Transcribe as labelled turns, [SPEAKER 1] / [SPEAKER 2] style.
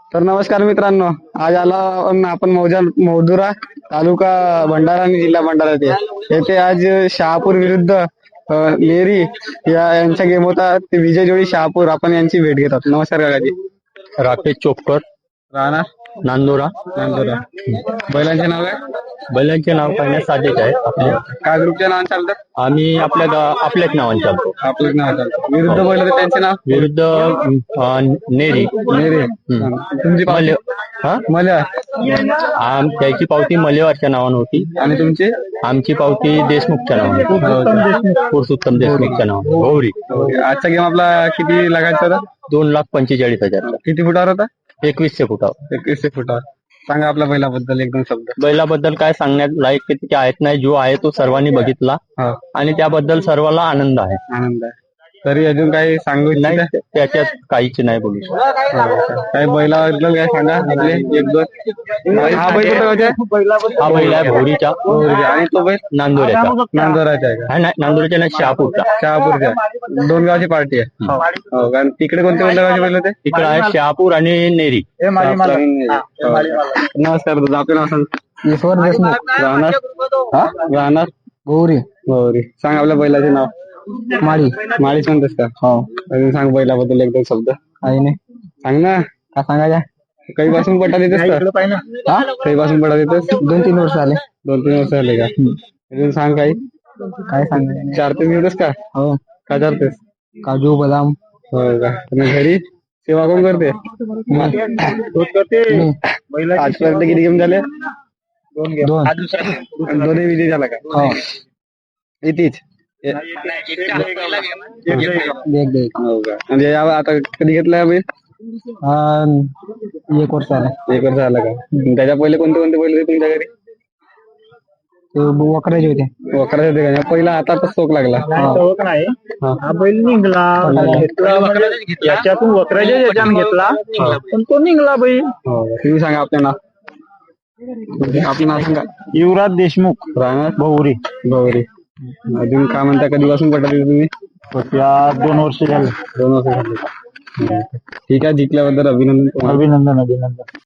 [SPEAKER 1] तर नमस्कार मित्रांनो, आज आला आपण मौजुरा तालुका भंडारा आणि जिल्हा भंडारा येथे आज शहापूर विरुद्ध नेरी यांचा गेम होता. ते विजय जोडी शहापूर आपण यांची भेट घेतात. नमस्कार काकाजी.
[SPEAKER 2] राकेश चोपकर,
[SPEAKER 1] राणा
[SPEAKER 2] नांदोरा.
[SPEAKER 1] बैलांचे नाव काय?
[SPEAKER 2] बैलांचे नाव काढण्यास साधेच आहे आपले.
[SPEAKER 1] काय ग्रुपच्या नावाने चालतात?
[SPEAKER 2] आम्ही आपल्याच नावाने चालतो.
[SPEAKER 1] आपलंच नाव चालतं. विरुद्ध बैल होते त्यांचे नाव?
[SPEAKER 2] विरुद्ध नेरी.
[SPEAKER 1] तुमची पावती? मल्या.
[SPEAKER 2] त्याची पावती मलेवारच्या नावाने होती
[SPEAKER 1] आणि तुमची?
[SPEAKER 2] आमची पावती देशमुखच्या नावाने, पुरुषोत्तम देशमुखच्या नावाने. गौरी.
[SPEAKER 1] आजचा गेम आपला किती लागायचा होता?
[SPEAKER 2] 2,45,000.
[SPEAKER 1] किती फुटावर होता?
[SPEAKER 2] 2100 फुटावर.
[SPEAKER 1] 2100 फुटावर. सांगा आपल्या बैलाबद्दल एकदम शब्द.
[SPEAKER 2] बैलाबद्दल काय सांगण्यात लायक किती आहेत नाही, जो आहे तो सर्वांनी बघितला आणि त्याबद्दल सर्वांना आनंद आहे.
[SPEAKER 1] आनंद आहे. तरी अजून काही सांगू
[SPEAKER 2] नाही, त्याच्यात काहीच नाही बोलू शकत.
[SPEAKER 1] काही बैलाबद्दल काय सांगा आपले एक दोन. हा बैल कुठं?
[SPEAKER 2] हा बैल आहे भोरीचा.
[SPEAKER 1] आणि तो बैल
[SPEAKER 2] नांदोऱ्याचा.
[SPEAKER 1] नांदोराचा आहे का?
[SPEAKER 2] नाही, नांदोऱ्याच्या नाही, शहापूरचा.
[SPEAKER 1] शहापूरच्या. दोन गावची पार्टी आहे. हो, कारण तिकडे कोणते कोणत्या गावचे बैल होते?
[SPEAKER 2] तिकडे आहे शहापूर आणि नेरी.
[SPEAKER 1] नमस्कार दादा, आपलं नाव सांग.
[SPEAKER 3] ईश्वर देशमुख.
[SPEAKER 1] राहणार
[SPEAKER 3] गौरी.
[SPEAKER 1] गौरी. सांग आपल्या बैलाचे नाव.
[SPEAKER 3] माळी.
[SPEAKER 1] माळीच म्हणतेस का?
[SPEAKER 3] हो.
[SPEAKER 1] अजून सांग बैलाबद्दल एक दोन शब्द.
[SPEAKER 3] काही नाही.
[SPEAKER 1] सांग ना.
[SPEAKER 3] काय सांगायचं?
[SPEAKER 1] काही पासून पटा देतेस का? काही पासून पटा देतेस?
[SPEAKER 3] 2-3 वर्ष आले.
[SPEAKER 1] 2-3 वर्ष झाले का? अजून सांग काही.
[SPEAKER 3] काय सांगायचं?
[SPEAKER 1] चारतेस घेतेस का?
[SPEAKER 3] हो.
[SPEAKER 1] का चारतेस?
[SPEAKER 3] काजू बदाम.
[SPEAKER 1] हो का? आणि घरी सेवा कोण करते? आजपर्यंत किती गेम झाले?
[SPEAKER 3] 2.
[SPEAKER 1] दोन्ही विजय झाला का?
[SPEAKER 3] हो.
[SPEAKER 1] इथेच हो का? म्हणजे आता कधी घेतलाय बैल?
[SPEAKER 3] 1 वर्ष आले.
[SPEAKER 1] 1 वर्ष झाला का? त्याच्या पहिले कोणते कोणते बैल होते तुमच्या घरी?
[SPEAKER 3] ते वकराचे होते.
[SPEAKER 1] वखराचे होते का? पहिला आता शोक लागला.
[SPEAKER 3] हा बैल निघला, याच्यातून वकराच्या याच्यानं घेतला, पण तो निघला बैल.
[SPEAKER 1] तुम्ही सांगा आपलं नाव. आपलं नाव सांगा.
[SPEAKER 3] युवराज देशमुख.
[SPEAKER 1] राहणार
[SPEAKER 3] गौरी.
[SPEAKER 1] गौरी. अजून काय म्हणता, कधीपासून पटवते तुम्ही?
[SPEAKER 3] 2 वर्ष झाले.
[SPEAKER 1] 2 वर्ष झाले. ठीक आहे, जिंकल्याबद्दल अभिनंदन.
[SPEAKER 3] अभिनंदन.